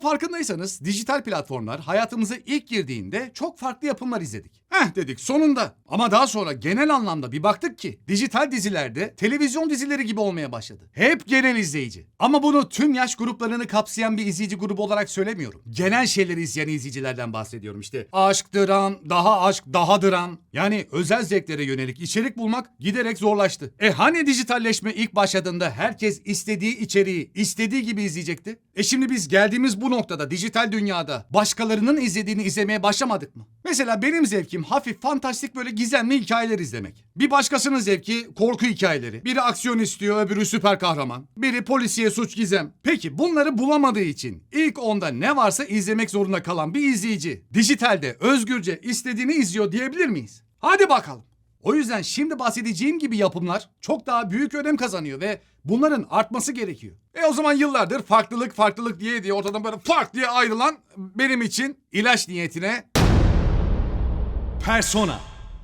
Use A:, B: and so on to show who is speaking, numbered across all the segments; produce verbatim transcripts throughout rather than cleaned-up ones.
A: Farkındaysanız dijital platformlar hayatımıza ilk girdiğinde çok farklı yapımlar izledik. Heh dedik sonunda. Ama daha sonra genel anlamda bir baktık ki dijital dizilerde televizyon dizileri gibi olmaya başladı. Hep genel izleyici. Ama bunu tüm yaş gruplarını kapsayan bir izleyici grubu olarak söylemiyorum. Genel şeyleri izleyen izleyicilerden bahsediyorum işte. Aşk, dram, daha aşk, daha dram. Yani özel zevklere yönelik içerik bulmak giderek zorlaştı. E hani dijitalleşme ilk başladığında herkes istediği içeriği istediği gibi izleyecekti? E şimdi biz geldiğimiz bu noktada dijital dünyada başkalarının izlediğini izlemeye başlamadık mı? Mesela benim zevkim hafif fantastik böyle gizemli hikayeler izlemek. Bir başkasının zevki korku hikayeleri. Biri aksiyon istiyor, öbürü süper kahraman. Biri polisiye, suç, gizem. Peki bunları bulamadığı için ilk onda ne varsa izlemek zorunda kalan bir izleyici dijitalde özgürce istediğini izliyor diyebilir miyiz? Hadi bakalım. O yüzden şimdi bahsedeceğim gibi yapımlar çok daha büyük önem kazanıyor ve bunların artması gerekiyor. E o zaman yıllardır farklılık farklılık diye diye ortadan böyle fark diye ayrılan benim için ilaç niyetine Persona.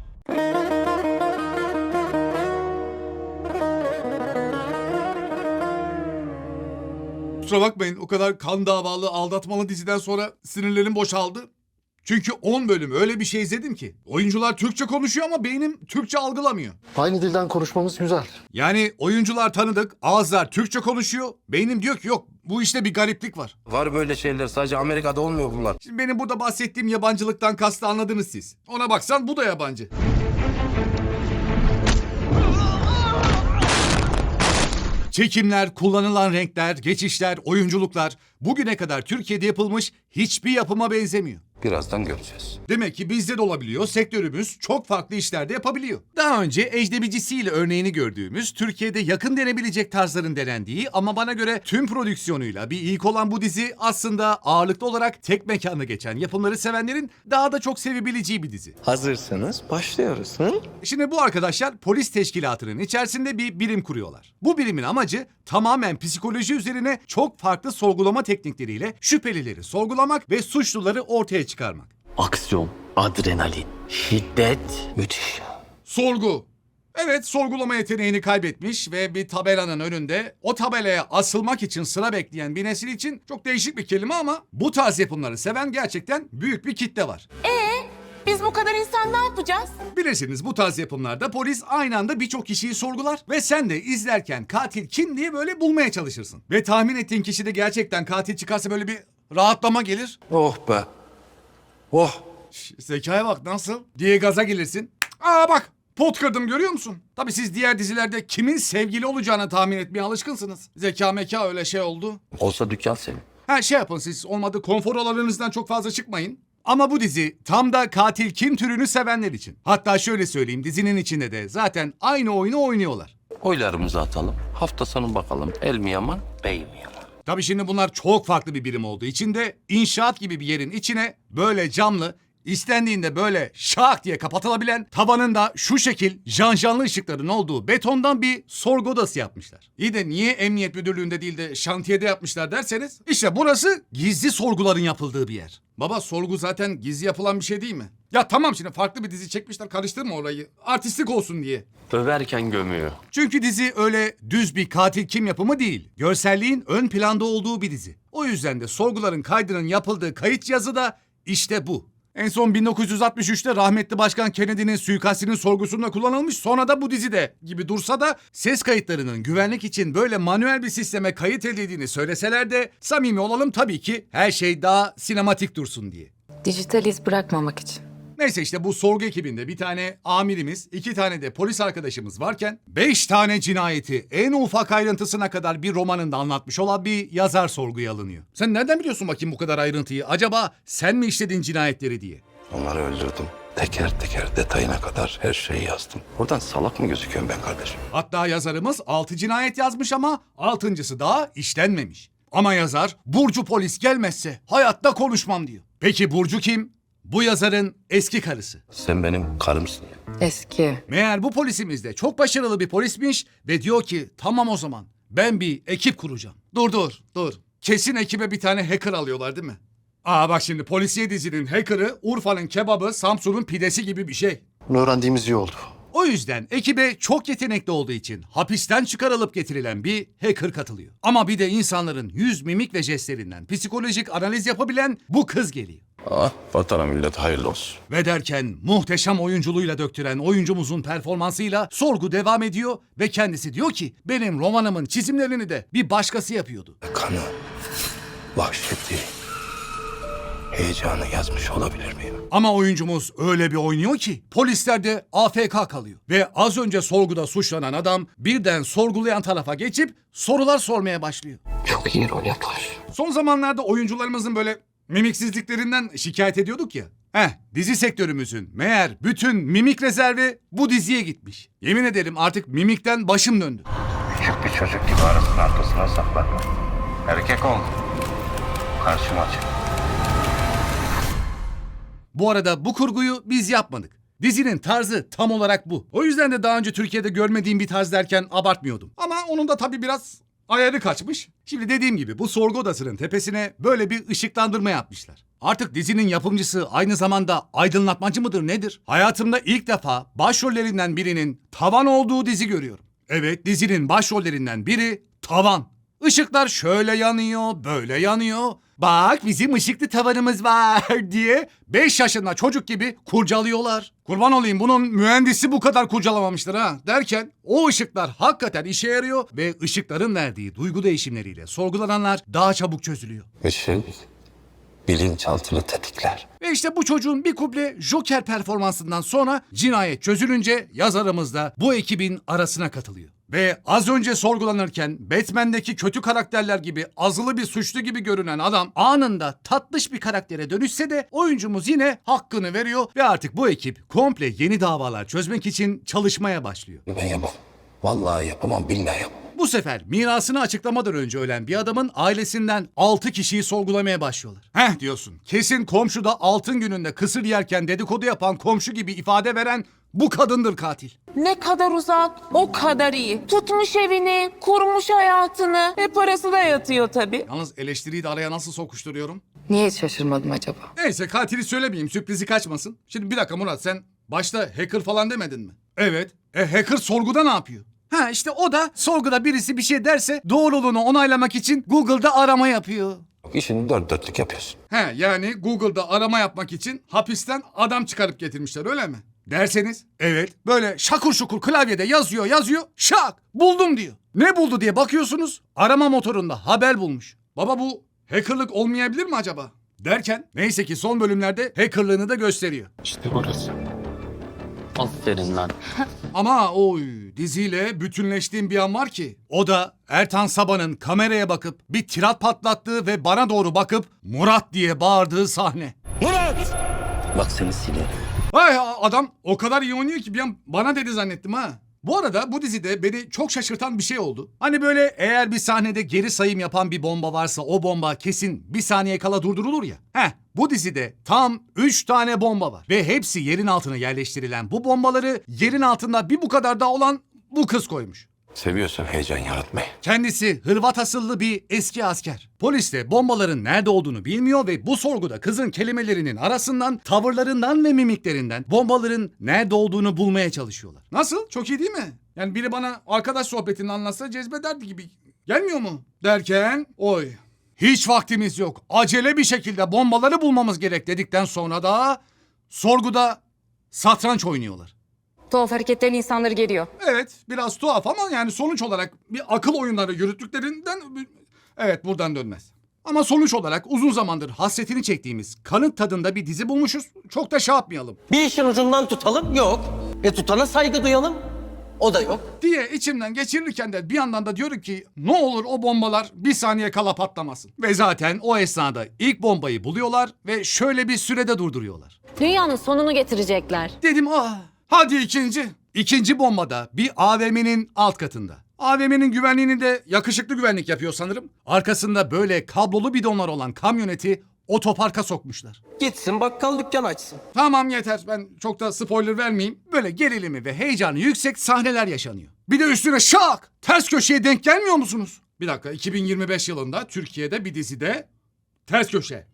A: Kusura bakmayın o kadar kan davalı aldatmalı diziden sonra sinirlerim boşaldı. Çünkü on bölüm öyle bir şey izledim ki. Oyuncular Türkçe konuşuyor ama beynim Türkçe algılamıyor.
B: Aynı dilden konuşmamız güzel.
A: Yani oyuncular tanıdık, ağızlar Türkçe konuşuyor. Beynim diyor ki yok bu işte bir gariplik var.
C: Var böyle şeyler, sadece Amerika'da olmuyor bunlar.
A: Şimdi benim burada bahsettiğim yabancılıktan kastı anladınız siz. Ona baksan bu da yabancı. Çekimler, kullanılan renkler, geçişler, oyunculuklar bugüne kadar Türkiye'de yapılmış hiçbir yapıma benzemiyor.
C: Birazdan göreceğiz.
A: Demek ki bizde de olabiliyor, sektörümüz çok farklı işlerde yapabiliyor. Daha önce ecdebicisiyle örneğini gördüğümüz, Türkiye'de yakın denebilecek tarzların denendiği ama bana göre tüm prodüksiyonuyla bir ilk olan bu dizi aslında ağırlıklı olarak tek mekanda geçen yapımları sevenlerin daha da çok sevebileceği bir dizi.
C: Hazırsanız başlıyoruz. Hı?
A: Şimdi bu arkadaşlar polis teşkilatının içerisinde bir birim kuruyorlar. Bu birimin amacı tamamen psikoloji üzerine çok farklı sorgulama teknikleriyle şüphelileri sorgulamak ve suçluları ortaya çıkarmak.
D: Aksiyon, adrenalin, şiddet, müthiş.
A: Sorgu. Evet, sorgulama yeteneğini kaybetmiş ve bir tabelanın önünde o tabelaya asılmak için sıra bekleyen bir nesil için çok değişik bir kelime ama bu tarz yapımları seven gerçekten büyük bir kitle var.
E: Biz bu kadar insan ne yapacağız?
A: Bilirsiniz bu tarz yapımlarda polis aynı anda birçok kişiyi sorgular ve sen de izlerken katil kim diye böyle bulmaya çalışırsın. Ve tahmin ettiğin kişi de gerçekten katil çıkarsa böyle bir rahatlama gelir.
C: Oh be. Oh.
A: Şş, zekaya bak nasıl diye gaza gelirsin. Aa bak pot kırdım görüyor musun? Tabii siz diğer dizilerde kimin sevgili olacağını tahmin etmeye alışkınsınız. Zeka meka öyle şey oldu.
C: Olsa dükkan senin.
A: Ha şey yapın siz olmadı konfor alanınızdan çok fazla çıkmayın. Ama bu dizi tam da katil kim türünü sevenler için. Hatta şöyle söyleyeyim dizinin içinde de zaten aynı oyunu oynuyorlar.
C: Oylarımızı atalım. Hafta sonu bakalım. El mi yaman, bey mi yaman?
A: Tabii şimdi bunlar çok farklı bir birim olduğu için de inşaat gibi bir yerin içine böyle camlı, istendiğinde böyle şak diye kapatılabilen, tavanında şu şekil janjanlı ışıkların olduğu betondan bir sorgu odası yapmışlar. İyi de niye emniyet müdürlüğünde değil de şantiyede yapmışlar derseniz, işte burası gizli sorguların yapıldığı bir yer. Baba sorgu zaten gizli yapılan bir şey değil mi? Ya tamam şimdi farklı bir dizi çekmişler karıştırma orayı. Artistik olsun diye.
C: Överken gömüyor.
A: Çünkü dizi öyle düz bir katil kim yapımı değil. Görselliğin ön planda olduğu bir dizi. O yüzden de sorguların kaydının yapıldığı kayıt cihazı da işte bu. En son bin dokuz yüz altmış üçte rahmetli Başkan Kennedy'nin suikastinin sorgusunda kullanılmış, sonra da bu dizide gibi dursa da ses kayıtlarının güvenlik için böyle manuel bir sisteme kayıt edildiğini söyleseler de samimi olalım tabii ki her şey daha sinematik dursun diye.
F: Dijital iz bırakmamak için.
A: Neyse işte bu sorgu ekibinde bir tane amirimiz, iki tane de polis arkadaşımız varken beş tane cinayeti en ufak ayrıntısına kadar bir romanında anlatmış olan bir yazar sorguya alınıyor. Sen nereden biliyorsun bakayım bu kadar ayrıntıyı? Acaba sen mi işledin cinayetleri diye?
C: Onları öldürdüm. Teker teker detayına kadar her şeyi yazdım. Oradan salak mı gözüküyorum ben kardeşim?
A: Hatta yazarımız altı cinayet yazmış ama altıncısı daha işlenmemiş. Ama yazar Burcu polis gelmezse hayatta konuşmam diyor. Peki Burcu kim? Bu yazarın eski karısı.
C: Sen benim karımsın ya.
F: Eski.
A: Meğer bu polisimiz de çok başarılı bir polismiş ve diyor ki tamam o zaman ben bir ekip kuracağım. Dur dur dur. Kesin ekibe bir tane hacker alıyorlar değil mi? Aa bak şimdi polisiye dizinin hacker'ı Urfa'nın kebabı, Samsun'un pidesi gibi bir şey.
B: Bunu öğrendiğimiz iyi oldu.
A: O yüzden ekibe çok yetenekli olduğu için hapisten çıkarılıp getirilen bir hacker katılıyor. Ama bir de insanların yüz, mimik ve jestlerinden psikolojik analiz yapabilen bu kız geliyor.
C: Ah, vatana millet hayırlı olsun.
A: Ve derken muhteşem oyunculuğuyla döktüren oyuncumuzun performansıyla sorgu devam ediyor ve kendisi diyor ki benim romanımın çizimlerini de bir başkası yapıyordu.
C: Kanı, vahşeti, heyecanı yazmış olabilir miyim?
A: Ama oyuncumuz öyle bir oynuyor ki polisler de A F K kalıyor. Ve az önce sorguda suçlanan adam birden sorgulayan tarafa geçip sorular sormaya başlıyor.
D: Çok iyi rol yapar.
A: Son zamanlarda oyuncularımızın böyle mimiksizliklerinden şikayet ediyorduk ya. Heh, dizi sektörümüzün meğer bütün mimik rezervi bu diziye gitmiş. Yemin ederim artık mimikten başım döndü.
C: Küçük bir çocuk gibi arasının arkasına saklanma. Erkek ol. Karşıma çık.
A: Bu arada bu kurguyu biz yapmadık. Dizinin tarzı tam olarak bu. O yüzden de daha önce Türkiye'de görmediğim bir tarz derken abartmıyordum. Ama onun da tabii biraz ayarı kaçmış. Şimdi dediğim gibi bu sorgu odasının tepesine böyle bir ışıklandırma yapmışlar. Artık dizinin yapımcısı aynı zamanda aydınlatmacı mıdır nedir? Hayatımda ilk defa başrollerinden birinin tavan olduğu dizi görüyorum. Evet, dizinin başrollerinden biri tavan. Işıklar şöyle yanıyor, böyle yanıyor. Bak bizim ışıklı tavanımız var diye beş yaşında çocuk gibi kurcalıyorlar. Kurban olayım bunun mühendisi bu kadar kurcalamamıştır ha derken o ışıklar hakikaten işe yarıyor ve ışıkların verdiği duygu değişimleriyle sorgulananlar daha çabuk çözülüyor.
C: Işık, bilinçaltını tetikler.
A: Ve işte bu çocuğun bir kuple Joker performansından sonra cinayet çözülünce yazarımız da bu ekibin arasına katılıyor. Ve az önce sorgulanırken Batman'deki kötü karakterler gibi azılı bir suçlu gibi görünen adam anında tatlış bir karaktere dönüşse de oyuncumuz yine hakkını veriyor ve artık bu ekip komple yeni davalar çözmek için çalışmaya başlıyor.
C: Ben yapamam. Vallahi yapamam, billahi yapamam.
A: Bu sefer mirasını açıklamadan önce ölen bir adamın ailesinden altı kişiyi sorgulamaya başlıyorlar. Heh diyorsun, kesin komşuda altın gününde kısır yerken dedikodu yapan komşu gibi ifade veren bu kadındır katil.
E: Ne kadar uzak, o kadar iyi. Tutmuş evini, kurmuş hayatını ve parası da yatıyor tabii.
A: Yalnız eleştiriyi de araya nasıl sokuşturuyorum?
F: Niye hiç şaşırmadım acaba?
A: Neyse katili söylemeyeyim, sürprizi kaçmasın. Şimdi bir dakika Murat, sen başta hacker falan demedin mi? Evet. E hacker sorguda ne yapıyor? Ha işte o da sorguda birisi bir şey derse doğruluğunu onaylamak için Google'da arama yapıyor.
C: İşini dört dörtlük yapıyorsun.
A: He yani Google'da arama yapmak için hapisten adam çıkarıp getirmişler öyle mi? Derseniz evet böyle şakur şukur klavyede yazıyor yazıyor şak buldum diyor. Ne buldu diye bakıyorsunuz arama motorunda haber bulmuş. Baba bu hackerlık olmayabilir mi acaba? Derken neyse ki son bölümlerde hackerlığını da gösteriyor.
D: İşte burası. Aferin lan.
A: Ama oy diziyle bütünleştiğim bir an var ki o da Ertan Sabah'ın kameraya bakıp bir tirat patlattığı ve bana doğru bakıp Murat diye bağırdığı sahne.
D: Bak seni silerim.
A: Ay adam o kadar iyi oynuyor ki bir an bana dedi zannettim ha. Bu arada bu dizide beni çok şaşırtan bir şey oldu. Hani böyle eğer bir sahnede geri sayım yapan bir bomba varsa o bomba kesin bir saniye kala durdurulur ya. Heh bu dizide tam üç tane bomba var. Ve hepsi yerin altına yerleştirilen bu bombaları yerin altında bir bu kadar daha olan bu kız koymuş.
C: Seviyorsun heyecan yaratmayı.
A: Kendisi Hırvat asıllı bir eski asker. Polis de bombaların nerede olduğunu bilmiyor ve bu sorguda kızın kelimelerinin arasından, tavırlarından ve mimiklerinden bombaların nerede olduğunu bulmaya çalışıyorlar. Nasıl? Çok iyi değil mi? Yani biri bana arkadaş sohbetini anlatsa cezbederdi gibi. Gelmiyor mu? Derken oy. Hiç vaktimiz yok. Acele bir şekilde bombaları bulmamız gerek dedikten sonra da sorguda satranç oynuyorlar.
F: Tuhaf hareketlerin insanları geriyor.
A: Evet biraz tuhaf ama yani sonuç olarak bir akıl oyunları yürüttüklerinden evet buradan dönmez. Ama sonuç olarak uzun zamandır hasretini çektiğimiz kanıt tadında bir dizi bulmuşuz. Çok da şey yapmayalım
G: Bir işin ucundan tutalım, yok. E tutana saygı duyalım, o da yok.
A: diye içimden geçirirken de bir yandan da diyorum ki ne olur o bombalar bir saniye kala patlamasın. Ve zaten o esnada ilk bombayı buluyorlar ve şöyle bir sürede durduruyorlar.
H: Dünyanın sonunu getirecekler.
A: Dedim ah hadi ikinci. İkinci bombada bir A V M'nin alt katında. A V M'nin güvenliğini de yakışıklı güvenlik yapıyor sanırım. Arkasında böyle kablolu bidonlar olan kamyoneti otoparka sokmuşlar.
G: Gitsin bakkal dükkan açsın.
A: Tamam yeter ben çok da spoiler vermeyeyim. Böyle gerilimi ve heyecanı yüksek sahneler yaşanıyor. Bir de üstüne şak ters köşeye denk gelmiyor musunuz? Bir dakika iki bin yirmi beş yılında Türkiye'de bir dizide ters köşe.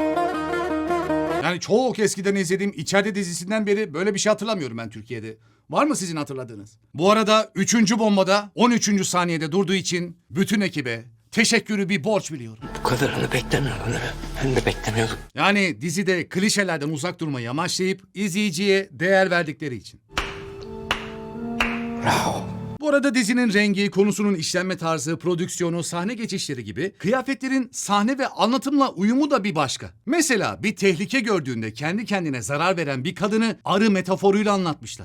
A: Yani çok eskiden izlediğim İçeride dizisinden beri böyle bir şey hatırlamıyorum ben Türkiye'de. Var mı sizin hatırladığınız? Bu arada üçüncü bombada on üçüncü saniyede durduğu için bütün ekibe teşekkürü bir borç biliyorum.
D: Bu kadarını beklemiyordum değil mi? Ben de beklemiyordum.
A: Yani dizide klişelerden uzak durmayı amaçlayıp izleyiciye değer verdikleri için.
D: Bravo.
A: Bu arada dizinin rengi, konusunun işlenme tarzı, prodüksiyonu, sahne geçişleri gibi kıyafetlerin sahne ve anlatımla uyumu da bir başka. Mesela bir tehlike gördüğünde kendi kendine zarar veren bir kadını arı metaforuyla anlatmışlar.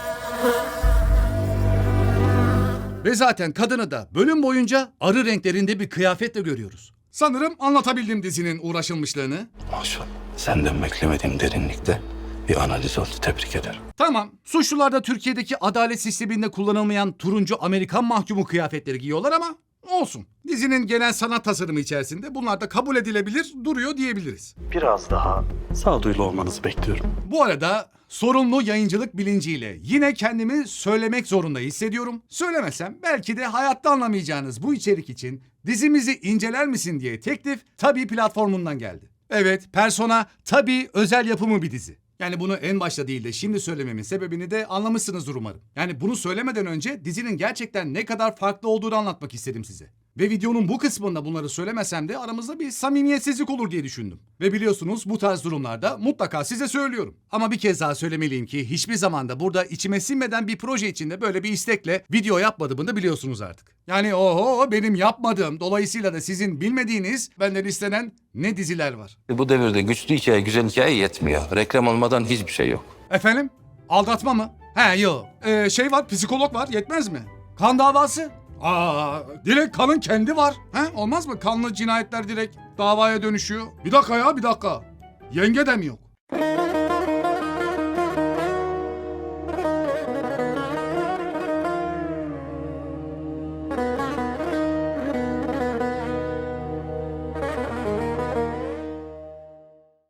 A: Ve zaten kadını da bölüm boyunca arı renklerinde bir kıyafetle görüyoruz. Sanırım anlatabildim dizinin uğraşılmışlığını.
C: Maşallah. Senden beklemediğim derinlikte bir analiz oldu. Tebrik ederim.
A: Tamam, suçlular da Türkiye'deki adalet sisteminde kullanılmayan turuncu Amerikan mahkumu kıyafetleri giyiyorlar ama olsun. Dizinin genel sanat tasarımı içerisinde bunlar da kabul edilebilir duruyor diyebiliriz.
I: Biraz daha sağduyulu olmanızı bekliyorum.
A: Bu arada sorumlu yayıncılık bilinciyle yine kendimi söylemek zorunda hissediyorum. Söylemesem belki de hayatta anlamayacağınız bu içerik için dizimizi inceler misin diye teklif Tabii platformundan geldi. Evet, Persona Tabii özel yapımı bir dizi. Yani bunu en başta değil de şimdi söylememin sebebini de anlamışsınızdır umarım. Yani bunu söylemeden önce dizinin gerçekten ne kadar farklı olduğunu anlatmak istedim size. Ve videonun bu kısmında bunları söylemesem de aramızda bir samimiyetsizlik olur diye düşündüm. Ve biliyorsunuz bu tarz durumlarda mutlaka size söylüyorum. Ama bir kez daha söylemeliyim ki hiçbir zamanda burada içime sinmeden bir proje içinde böyle bir istekle video yapmadığımı da biliyorsunuz artık. Yani oho benim yapmadığım, dolayısıyla da sizin bilmediğiniz benden istenen ne diziler var.
C: Bu devirde güçlü hikaye, güzel hikaye yetmiyor. Reklam olmadan hiçbir şey yok.
A: Efendim? Aldatma mı? He yok. Ee, şey var, psikolog var, yetmez mi? Kan davası? Aa, direkt kanın kendi var. He, olmaz mı? Kanlı cinayetler direkt davaya dönüşüyor. Bir dakika ya, bir dakika. Yenge de mi yok?